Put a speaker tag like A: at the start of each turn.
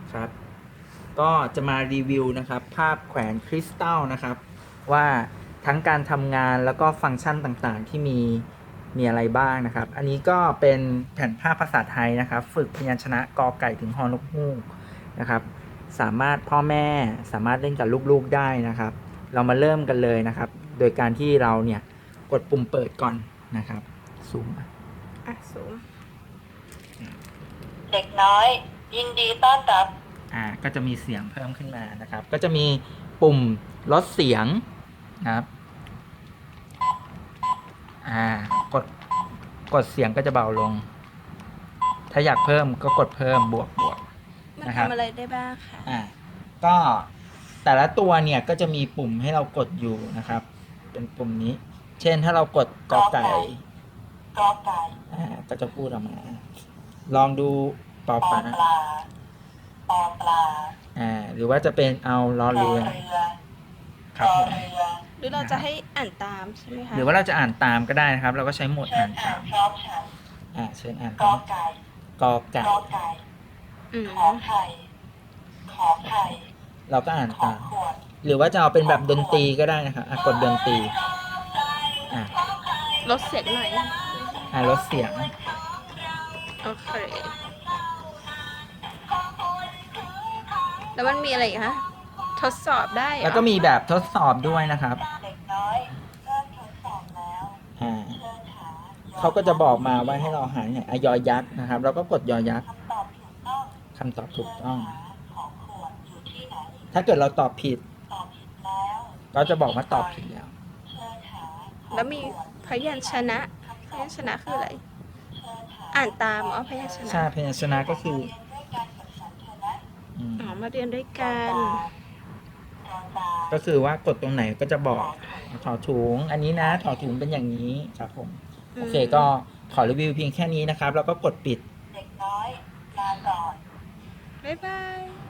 A: ครับก็จะมารีวิวนะครับภาพแขวนคริสตัลนะครับว่าทั้งการทำงานแล้วก็ฟังก์ชันต่างๆที่มีอะไรบ้างนะครับ อันนี้ก็เป็นแผ่นภาพภาษาไทยนะครับ ฝึกพยัญชนะกอไก่ถึงฮอนกฮูกนะครับสามารถพ่อแม่สามารถเล่นกับลูกๆได้นะครับ เรามาเริ่มกันเลยนะครับ โดยการที่เราเนี่ยกดปุ่มเปิดก่อนนะครับซูม
B: สูง
C: เด็กน้อย ยินดีต้อนรับ
A: ก็จะมีเสียงเพิ่มขึ้นมานะครับ ก็จะมีปุ่มลดเสียงนะครับกดเสียงก็จะเบาลง ถ้าอยากเพิ่มก็กดเพิ่มบวก
B: มัน
A: นะครับ
B: ทำอะไรได้บ้างคะ
A: ก็แต่ละตัวเนี่ยก็จะมีปุ่มให้เรากดอยู่นะครับ เป็นปุ่มนี้ เช่นถ้าเรากดกอไก่
C: กอไก่
A: ก็จะพูดออกมา ลองดูปอ
C: ปอ
A: ปลา
C: ปลาปอปลา
A: หรือว่าจะเป็นเอาล้อ
C: รอ
A: เรือ
C: เรือ
A: ครับ
C: รอ
A: ผม
C: เรือ
B: หรือเราจะให้อ่านตามใช่ไหมคะ
A: หรือว่าเราจะอ่านตามก็ได้นะครับ เราก็ใช้โหมด
C: เชิ
A: อ่า
C: ญ
A: น
C: อ่า
A: ตาน ม
C: พร้อมฉัน
A: เชิญอ่าน
C: กอไก่
A: กอไก่
C: กอไก่
B: อืม
C: ขอไข่ขอไข่
A: เราก็อ่าน
C: ขอ
A: ตาม
C: ขวด
A: หรือว่าจะเอาเป็นแบบดนตรีก็ได้นะครับกดดนตรี
B: ลดเสียงหน่อย
A: ลดเสียง
B: โอเค แล้วมันมีอะไรอีกคะทดสอบได้เหรอ
A: แล้วก็มีแบบทดสอบด้วยนะครับ
C: เด็กน้อยเริ่มทดสอบแล้ว
A: อ่า
C: เชิญหา
A: เขาก็จะบอกมาว่าให้เราหาเนี่ยยอยักษ์นะครับ เราก็กดยอยักษ์
C: คำตอบถูกต้อง
A: คำตอบถูกต้อง
C: ขอขวดอยู่ที่ไหน
A: ถ้าเกิดเราตอบผิด
C: ตอบผิดแล้ว
A: ก็จะบอกว่าตอบผิดแล้ว
C: เชิญหาขอ
B: แล้วมี
C: ขวด
B: พยัญชนะพยัญชนะคืออะไร อ่านตามอ๋อพยัญชนะ
A: ใช่พยัญชนะก็คือ
C: เรียนด้วยกันกับฉันเถอะนะ
A: อืม
B: อ๋อมาเรียนด้วยกัน
C: ตอนตา
A: ก็คือว่ากดตรงไหนก็จะบอกถอถุงอันนี้นะถอถุงเป็นอย่างนี้ครับผม โอเคก็ขอรีวิวเพียงแค่นี้นะครับ แล้วก็กดปิด
C: เด็กน้อยลาก่อน
B: บ๊ายบาย